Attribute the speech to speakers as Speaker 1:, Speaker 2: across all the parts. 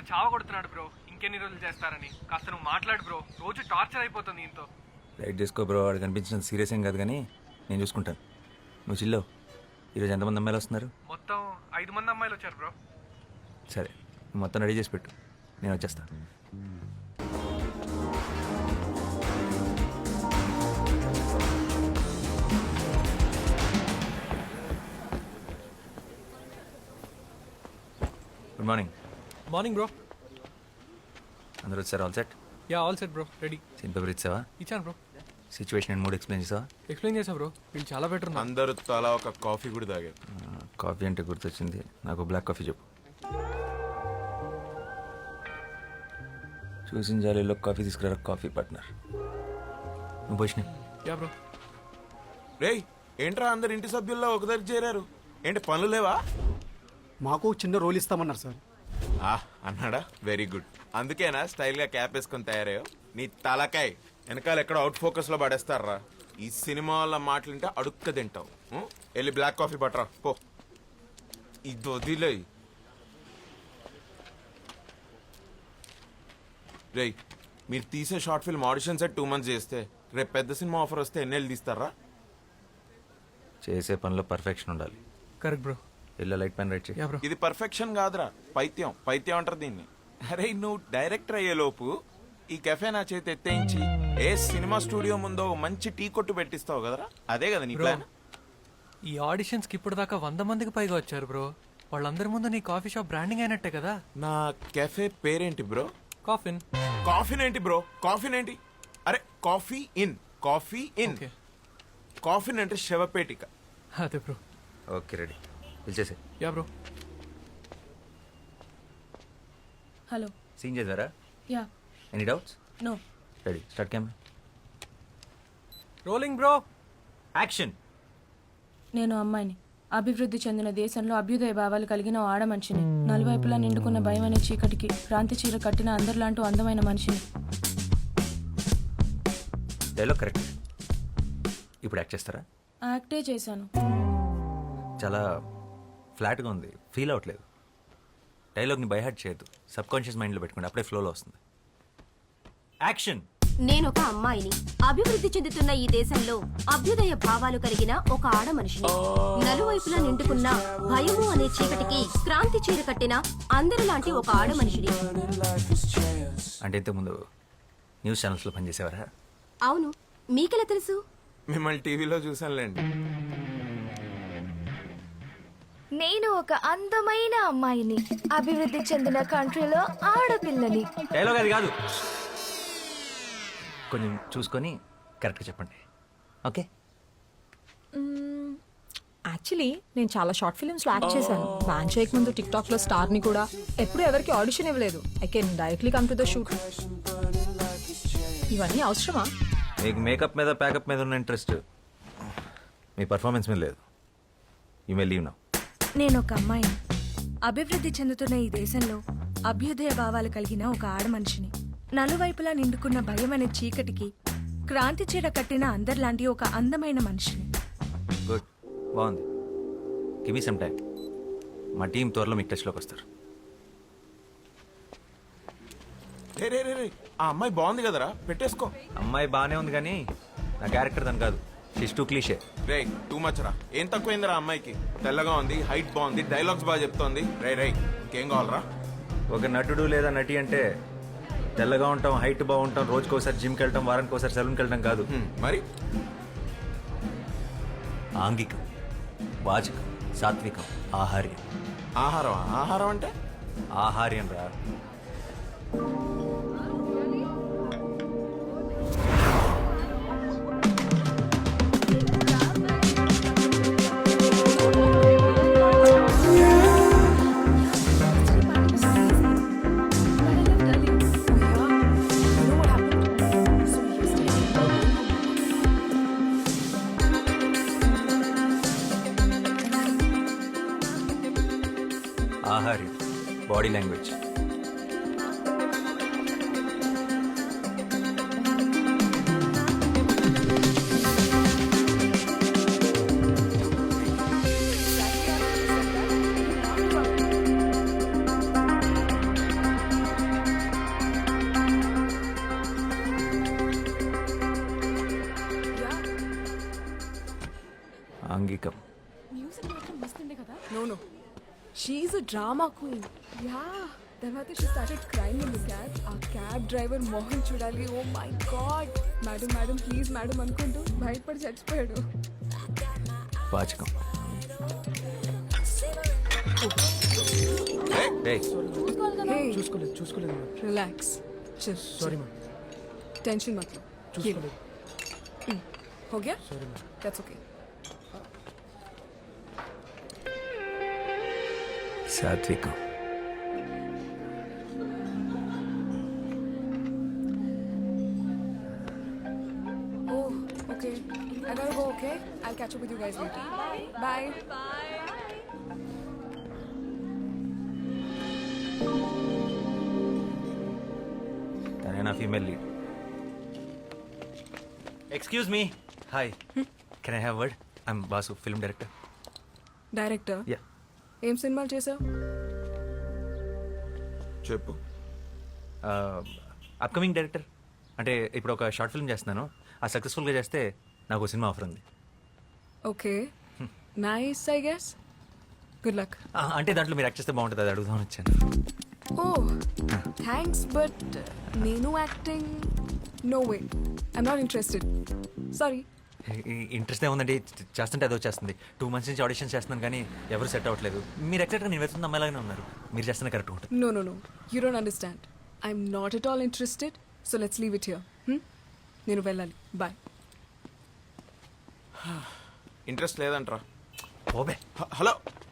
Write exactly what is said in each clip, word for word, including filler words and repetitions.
Speaker 1: చావ కొడుతున్నాడు బ్రో. ఇంకెన్ని రోజులు చేస్తారని కాస్త నువ్వు మాట్లాడు బ్రో. రోజు టార్చర్ అయిపోతుంది ఇంతో.
Speaker 2: లైట్ చేసుకో బ్రో, వాడు కనిపించినంత సీరియస్ ఏం కాదు కానీ నేను చూసుకుంటాను. నువ్వు చిల్లో. ఈరోజు ఎంతమంది అమ్మాయిలు వస్తున్నారు?
Speaker 1: మొత్తం ఐదు మంది అమ్మాయిలు వచ్చారు బ్రో.
Speaker 2: సరే, నువ్వు మొత్తం రెడీ చేసి పెట్టు, నేను వచ్చేస్తాను. Good morning.
Speaker 1: Morning bro.
Speaker 2: అందరూ వచ్చారు? All set?
Speaker 1: Yeah all set bro, ready.
Speaker 2: Scene paper ఇచ్చావా?
Speaker 1: ఇచ్చాను bro.
Speaker 2: Situation and mood explain చేసావా?
Speaker 1: ఎక్స్ప్లెయిన్ చేసా బ్రో. వీళ్ళు చాలా బెటర్.
Speaker 3: అందరూ తలా ఒక కాఫీ కూడా తాగారు.
Speaker 2: కాఫీ అంటే గుర్తొచ్చింది, నాకు బ్లాక్ కాఫీ చెప్పు. చూసిన జాలీలో కాఫీ తీసుకురా కాఫీ పార్ట్నర్. నువ్వు పోషణ.
Speaker 1: Yeah bro.
Speaker 3: రేయ్ ఏంట్రా అందరు ఇంటి సభ్యుల్లో ఒక దగ్గర చేరారు? ఏంటి పనులు లేవా?
Speaker 4: మాకు చిన్న రోల్ ఇస్తామన్నారు సార్.
Speaker 3: ఆ అన్నాడా? Very good. అందుకేనా స్టైల్ గా క్యాప్ వేసుకొని తయారయ్యో? నీ తలకాయ్ వెనకాల ఎక్కడ అవుట్ ఫోకస్ లో పడేస్తారా? ఈ సినిమా వాళ్ళ మాటలుంటే అడుక్క తింటావు. ఉం? వెళ్ళి బ్లాక్ కాఫీ పట్టరా పో. ఇది వదిలే. రేయ్ మీరు తీసే short film audition set two months చేస్తే రేపు పెద్ద సినిమా ఆఫర్ వస్తే ఎన్నేళ్ళు తీస్తారా?
Speaker 2: చేసే పనిలో పర్ఫెక్షన్ ఉండాలి.
Speaker 1: Correct bro.
Speaker 2: ఇల్లు లైట్ పెన్ రైట్ చేయి.
Speaker 1: Yeah bro.
Speaker 3: ఇది పర్ఫెక్షన్ కాదురా, పైత్యం. పైత్యం అంటారు దీన్ని. అరే నువ్వు డైరెక్టర్ అయ్యే లోపు ఈ కెఫే నా చేతి ఎత్తేయించి ఏ సినిమా స్టూడియో ముందో మంచి టీ కొట్టు పెట్టిస్తావు కదరా? అదే కదా నీ ప్లాన్.
Speaker 1: ఈ ఆడిషన్స్ కి ఇప్పుడు దాకా వంద మందికి పైగా వచ్చారు బ్రో. వాళ్ళందరి ముందు నీ కాఫీ షాప్ బ్రాండింగ్ అయినట్టే కదా.
Speaker 3: నా కెఫే పేరేంటి బ్రో?
Speaker 1: కాఫిన్.
Speaker 3: కాఫీన్ ఏంటి బ్రో? కాఫీన్ ఏంటి? అరే coffee in, coffee in. Coffin అంటే శవపేటిక.
Speaker 1: అదే బ్రో.
Speaker 2: ఓకే రెడీ, పిలిచేసే.
Speaker 1: Yeah bro.
Speaker 5: హలో.
Speaker 2: సీన్ చేద్దారా?
Speaker 5: Yeah.
Speaker 2: Any doubts?
Speaker 5: No.
Speaker 2: Ready, start camera.
Speaker 1: Rolling bro.
Speaker 2: Action.
Speaker 5: నేను అమ్మాయిని, అభివృద్ధి చెందిన దేశంలో అభ్యుదయ భావాలు కలిగిన ఓ ఆడ మనిషిని, నలువైపులా నిండుకున్న భయం అనే చీకటికి క్రాంతి చీర కట్టిన అందరిలాంటి అందమైన మనిషిని.
Speaker 2: Dialogue correct. ఇప్పుడు యాక్ట్ చేస్తారా?
Speaker 5: యాక్టే చేశాను.
Speaker 2: చాలా ఫ్లాట్గా ఉంది, ఫీల్ అవ్వట్లేదు. డైలాగ్ని బైహార్ట్ చేయొద్దు, సబ్ కాన్షియస్ మైండ్లో పెట్టుకోండి, అప్పుడే ఫ్లోలో వస్తుంది. యాక్షన్.
Speaker 6: నేను ఒక అమ్మాయిని, అభివృద్ధి చెందుతున్న ఈ దేశంలో అభ్యుదయ భావాలు కలిగిన ఒక ఆడ మనిషిని, నలువైపులా నిండుకున్న భయము అనే చీకటికి క్రాంతి చీర కట్టిన అందరిలాంటి ఒక ఆడ మనిషిని.
Speaker 2: అంటే ఇంతకుముందు న్యూస్ ఛానల్స్లో పనిచేసేవారా?
Speaker 6: అవును, మీకెలా తెలుసు?
Speaker 3: మిమ్మల్ని టీవీలో చూసానులేండి.
Speaker 7: నేను ఒక అందమైన అమ్మాయిని, అభివృద్ధి చెందిన కంట్రీలో ఆడపిల్లని.
Speaker 2: డైలాగ్ అది కాదు, కొంచెం చూసుకొని కరెక్ట్గా చెప్పండి. ఓకే.
Speaker 8: యాక్చువల్లీ నేను చాలా షార్ట్ ఫిల్మ్స్లో యాక్ట్ చేశాను. బ్యాన్ చేయక ముందు టిక్ టాక్లో స్టార్ని కూడా. ఎప్పుడు ఎవరికి ఆడిషన్ ఇవ్వలేదు. I can directly come to the shoot. ఇవన్నీ అవసరమా?
Speaker 2: మీకు మేకప్ మీద ప్యాకప్ మీద ఉన్న ఇంట్రెస్ట్ మీ పర్ఫార్మెన్స్ మీద లేదు. You may leave now.
Speaker 7: నేను ఒక అమ్మాయిని, అభివృద్ధి చెందుతున్న ఈ దేశంలో అభ్యుదయ భావాలు కలిగిన ఒక ఆడ మనిషిని, నలువైపులా నిండుకున్న భయం అనే చీకటికి క్రాంతి చీర కట్టిన అందరిలాంటి ఒక అందమైన మనిషిని.
Speaker 2: గుడ్, బాగుంది. Give me some time. మా టీం త్వరలో మీకు టచ్లోకి వస్తారు.
Speaker 3: రే రే రే రే ఆ అమ్మాయి బాగుంది కదరా, పెట్టేసుకో.
Speaker 2: అమ్మాయి బాగానే ఉంది కానీ నా క్యారెక్టర్ దాని కాదు. She's too cliche.
Speaker 3: రే టూ మచ్ రా. ఏం తక్కువైందిరా అమ్మాయికి? తెల్లగా ఉంది, హైట్ బాగుంది, డైలాగ్స్ బాగా చెప్తోంది. రే రే ఇంకేం కావాలరా?
Speaker 2: ఒక నటుడు లేదా నటి అంటే తెల్లగా ఉంటాం, హైట్ బాగుంటాం, రోజుకోసారి జిమ్కి వెళ్ళటం, వారానికి ఒకసారి సెలూన్కి వెళ్ళటం కాదు.
Speaker 3: మరి
Speaker 2: ఆంగికం, వాచకం, సాత్వికం, ఆహార్యం.
Speaker 3: ఆహారం? ఆహారం అంటే
Speaker 2: ఆహార్యం రా. ఆహార్యం, బాడీ లాంగ్వేజ్. ఆంగికం.
Speaker 5: మ్యూజిక్ మాత్రం మస్తుండే కదా.
Speaker 7: No no she's a drama queen. Yeah తర్వాత she started crime in the cab. ఆ క్యాబ్ డ్రైవర్ మోహన్ చూడాలి. Oh my God, madam madam please madam అనుకుంటూ భయపడి చచ్చిపోయాడు.
Speaker 2: వాచకం. Hey.
Speaker 7: హే
Speaker 4: చూసుకోలేదు చూసుకోలేదు madam.
Speaker 7: Relax,
Speaker 4: sorry madam.
Speaker 7: Tension मत लो.
Speaker 4: చూసుకోలేదు.
Speaker 7: हो गया?
Speaker 4: Sorry madam.
Speaker 7: That's okay.
Speaker 2: సాత్వికం.
Speaker 7: Oh, okay. I gotta go, okay? I'll catch up with you guys later. Bye.
Speaker 2: తనే నా female lead. Excuse me. Hi, can I have word? I'm Basu, film director.
Speaker 7: Director
Speaker 2: yeah.
Speaker 7: ఏం సినిమాలు చేసావు?
Speaker 3: చెప్పు.
Speaker 2: Upcoming director. అంటే ఇప్పుడు ఒక షార్ట్ ఫిల్మ్ చేస్తున్నాను. ఆ సక్సెస్ఫుల్గా చేస్తే నాకు ఒక సినిమా ఆఫర్ ఉంది.
Speaker 7: Okay, nice I guess. Good luck.
Speaker 2: ఆ, అంటే దాంట్లో మీరు యాక్ట్ చేస్తే బాగుంటుంది, అది అడుగుదామని వచ్చాను.
Speaker 7: ఓ థ్యాంక్స్, బట్ నేను acting no way, I'm not interested. Sorry.
Speaker 2: Interest ఏముందండి, చేస్తుంటే అదో చేస్తుంది. టూ మంత్స్ నుంచి ఆడిషన్ చేస్తున్నాను కానీ ఎవరు సెట్ అవ్వట్లేదు. మీరు ఎక్సెక్ట్గా నేను వెళ్తున్న అమ్మాయిలాగానే ఉన్నారు. మీరు చేస్తున్న కరెక్ట్ ఉంటుంది.
Speaker 7: No, no, no. You don't understand. I'm not at all interested. So let's leave it here. Hmm? నేను వెళ్ళాలి. Bye.
Speaker 3: ఇంట్రెస్ట్ లేదంట్రా.
Speaker 2: ఓబే.
Speaker 3: హ- హలో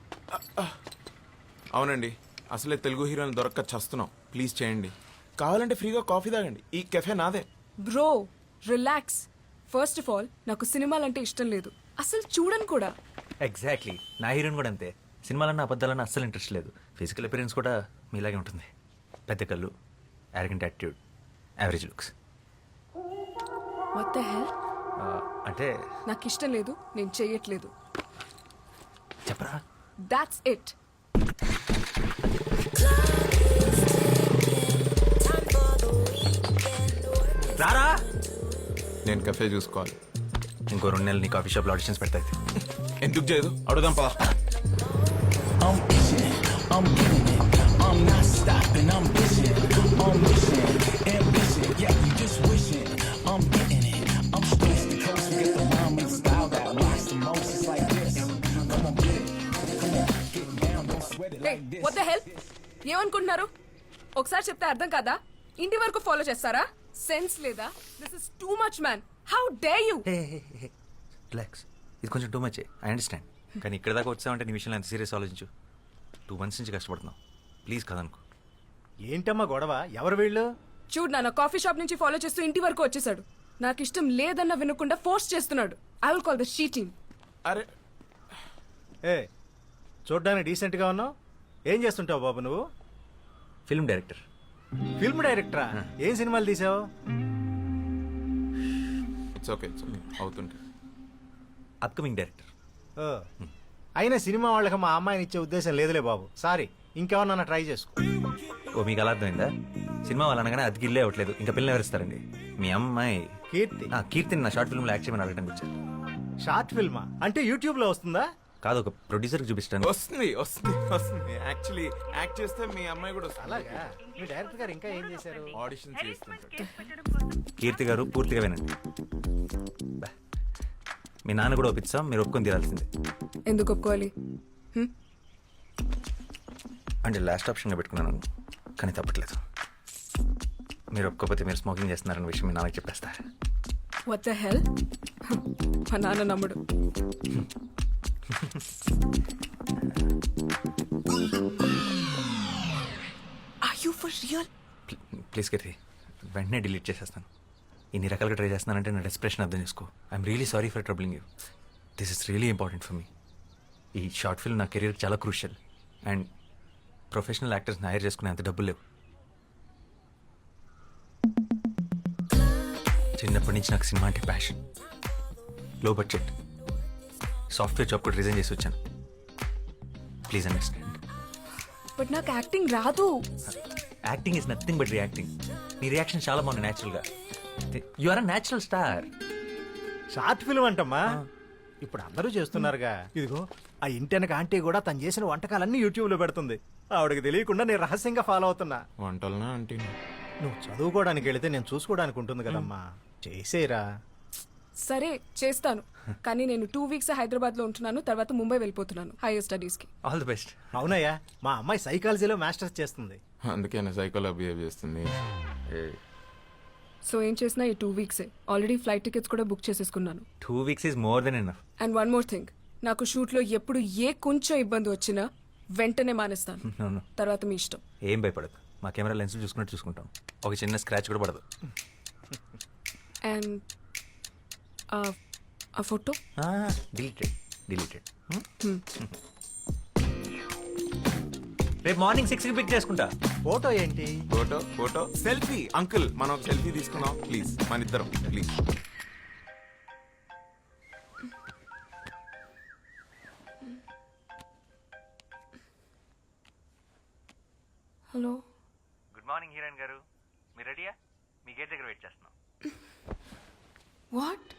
Speaker 3: అవునండి, అసలే తెలుగు హీరోని దొరక్క చస్తున్నాం. ప్లీజ్ చేయండి. కావాలంటే ఫ్రీగా కాఫీ తాగండి. ఈ కెఫే నాదే.
Speaker 7: Bro, relax. First of all, నాకు సినిమాలంటే ఇష్టం లేదు. అసలు చూడను కూడా.
Speaker 2: ఎగ్జాక్ట్లీ, నా హీరోయిన్ కూడా అంతే. సినిమాలన్నా అబద్ధాలన్నా అస్సలు ఇంట్రెస్ట్ లేదు. ఫిజికల్ అపిరెన్స్ కూడా మీలాగే ఉంటుంది. పెద్ద కళ్ళు, arrogant attitude, average looks.
Speaker 7: What the hell?
Speaker 2: అంటే
Speaker 7: నాకు ఇష్టం లేదు, నేను చెయ్యట్లేదు.
Speaker 2: చెప్పరా.
Speaker 7: That's it.
Speaker 2: రారా.
Speaker 3: నేను కెఫే చూసుకోవాలి.
Speaker 2: ఇంకో రెండు నెలలు నీ కాఫీ షాప్లో ఆడిషన్స్ పెడతాయి.
Speaker 3: ఎందుకు చేయదు? అడుగుదాం పా.
Speaker 7: Hey, what the hell? ఏమనుకుంటున్నారు? ఒకసారి చెప్తే అర్థం కాదా? ఇంటి వరకు ఫాలో చేస్తారా? సెన్స్ లేదా? This is too much man. How dare you?
Speaker 2: Relax, ఇది కొంచెం టూ మచ్. I understand. కానీ ఇక్కడ దాకా వచ్చామంటే నీ విషయంలో ఎంత సీరియస్ ఆలోచించు. టూ మంత్స్ నుంచి కష్టపడుతున్నావు. ప్లీజ్ కదనుకో.
Speaker 9: ఏంటమ్మా గొడవ? ఎవరు వీళ్ళు?
Speaker 7: చూడు, నాన్న కాఫీ షాప్ నుంచి ఫాలో చేస్తూ ఇంటి వరకు వచ్చేసాడు. నాకు ఇష్టం లేదన్న వినకుండా ఫోర్స్ చేస్తున్నాడు. I will call the sheeting.
Speaker 3: అరే
Speaker 9: ఏ చూడ్డానికి డీసెంట్గా ఉన్నావు. ఏం చేస్తుంటావు బాబు నువ్వు?
Speaker 2: Film director.
Speaker 9: ఫిల్మ్ డైరెక్టరా? ఏం సినిమాలు తీసావు?
Speaker 3: It's okay, it's okay. అవుతుంటే
Speaker 2: అప్కమింగ్ డైరెక్టర్.
Speaker 9: ఓ, అయినా సినిమా వాళ్ళకి మా అమ్మాయిని ఇచ్చే ఉద్దేశం లేదులే బాబు. సారీ, ఇంకెవరన్నా ట్రై చేసుకో.
Speaker 2: ఓ, మీకు అలా అర్థమైందా? సినిమా వాళ్ళు అనగానే అది గిల్లే అవ్వట్లేదు. ఇంకా పిల్లలు ఎవరిస్తారండి? మీ అమ్మాయి
Speaker 9: కీర్తి.
Speaker 2: ఆ, కీర్తిని నా షార్ట్ ఫిల్మ్లో యాక్ట్ చేయమని అడగడానికి వచ్చారు.
Speaker 9: షార్ట్ ఫిల్మా? అంటే యూట్యూబ్లో వస్తుందా?
Speaker 2: కాదు, ఒక ప్రొడ్యూసర్కి చూపిస్తాను.
Speaker 3: వస్తుంది వస్తుంది వస్తుంది. యాక్చువల్లీ యాక్ట్ చేస్తే మీ అమ్మాయి కూడా వస్తుంది.
Speaker 9: అలాగా? మీ డైరెక్టర్ గారు ఇంకా ఏం చేశారు?
Speaker 3: ఆడిషన్ చేస్తుంటాడు.
Speaker 2: కీర్తి గారు పూర్తిగా వినండి. బా. మీ నాన్న కూడా ఒప్పిస్తాం, మీరు ఒప్పుకొని తీరాల్సిందే.
Speaker 7: ఎందుకు ఒప్పుకోవాలి? హ్మ్?
Speaker 2: అంటే లాస్ట్ ఆప్షన్గా పెట్టుకున్నాను, కానీ తప్పట్లేదు. మీరు ఒప్పుకోకపోతే మీరు స్మోకింగ్ చేస్తున్నారన్న విషయం మీ నాన్నకి చెప్పేస్తారు.
Speaker 7: What the hell? మా నాన్న నమ్ముడు. Are you for real?
Speaker 2: Please Keerthi, వెంటనే డిలీట్ చేసేస్తాను. ఇన్ని రకాలుగా ట్రై చేస్తున్నానంటే నా డెస్ప్రెషన్ అర్థం చేసుకో. I'm really sorry for troubling you. This is really important for me. ఈ షార్ట్ ఫిల్మ్ నా కెరీర్కి చాలా క్రూషియల్. అండ్ ప్రొఫెషనల్ యాక్టర్స్ని హైర్ చేసుకునే అంత డబ్బులు లేవు. చిన్నప్పటి నుంచి నాకు సినిమా అంటే passion. Low budget software job కూడా రిజైన్ చేసి వచ్చాను. Please understand.
Speaker 7: బట్ నాకు యాక్టింగ్ రాదు.
Speaker 2: Acting is nothing but reacting. నీ రియాక్షన్ చాలా బాగుంది న్యాచురల్గా. You are a natural star.
Speaker 9: Short film అంటమ్మా. ఇప్పుడు అందరూ చేస్తున్నారుగా. ఇదిగో ఆ ఇంటెనక ఆంటీ కూడా తను చేసిన వంటకాలన్నీ యూట్యూబ్లో పెడుతుంది. ఆవిడకి తెలియకుండా నేను రహస్యంగా ఫాలో అవుతున్నా.
Speaker 3: వంటలనా అంటే
Speaker 9: నువ్వు చదువుకోవడానికి వెళితే నేను చూసుకోవడానికి ఉంటుంది కదమ్మా. చేసేరా.
Speaker 4: సరే చేస్తాను, కానీ నేను టూ వీక్స్ హైదరాబాద్ లో ఉంటున్నాను, తర్వాత ముంబై వెళ్ళిపోతున్నాను హైయర్ స్టడీస్ కి.
Speaker 2: All the best.
Speaker 9: అవునయ్యా, మా అమ్మాయి సైకాలజీలో మాస్టర్స్ చేస్తుంది.
Speaker 3: అందుకేనా సైకోలో బిహేవ్ చేస్తుంది.
Speaker 4: సో ఏం చేసినా ఈ టూ వీక్సే. ఆల్రెడీ ఫ్లైట్ టికెట్స్ కూడా బుక్ చేసేసుకున్నాను.
Speaker 2: Two weeks is more then enough.
Speaker 4: And one more thing, నాకు షూట్ లో ఎప్పుడు ఏ కొంచెం ఇబ్బంది వచ్చినా వెంటనే మానేస్తాను.
Speaker 2: అవును,
Speaker 4: తర్వాత మీ ఇష్టం.
Speaker 2: ఏం భయపడదు. మా కెమెరా లెన్స్ చూసుకున్నట్టు చూసుకుంటాం. ఒక చిన్న స్క్రాచ్ కూడా పడదు.
Speaker 4: అండ్ ఆ ఫోటో
Speaker 2: డిలీటెడ్ డిలీటెడ్. రేపు మార్నింగ్ సిక్స్కి పిక్ చేసుకుంటా.
Speaker 9: ఫోటో ఏంటి?
Speaker 3: Photo photo selfie. అంకుల్ మనం ఒక సెల్ఫీ తీసుకున్నాం ప్లీజ్, మన ఇద్దరం please.
Speaker 4: Hello.
Speaker 2: Good morning heroine గారు, మీరు రెడీయా? మీ గేట్ దగ్గర వెయిట్ చేస్తున్నాం.
Speaker 4: వాట్?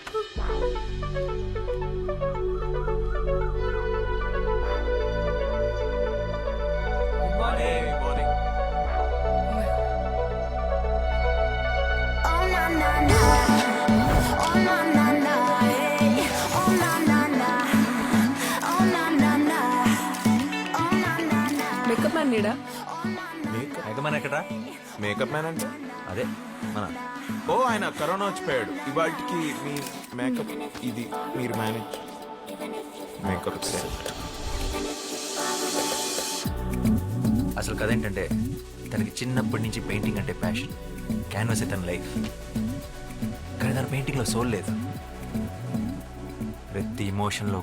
Speaker 4: మేకప్ మ్యాన్ నీడా?
Speaker 2: ఎగమని ఎక్కడా?
Speaker 3: మేకప్ మ్యాన్ అంటే
Speaker 2: అదే మన
Speaker 3: ఓ ఆయన కరోనా వచ్చిపోయాడు. ఇవాటికి మీ మేకప్ ఇది మీరు మేనేజ్ మేకప్ సెట్.
Speaker 2: అసలు కథ ఏంటంటే తనకి చిన్నప్పటి నుంచి పెయింటింగ్ అంటే ప్యాషన్. క్యాన్వాస్ తన లైఫ్. కానీ తన పెయింటింగ్లో సోల్ లేదు. ప్రతి ఇమోషన్లో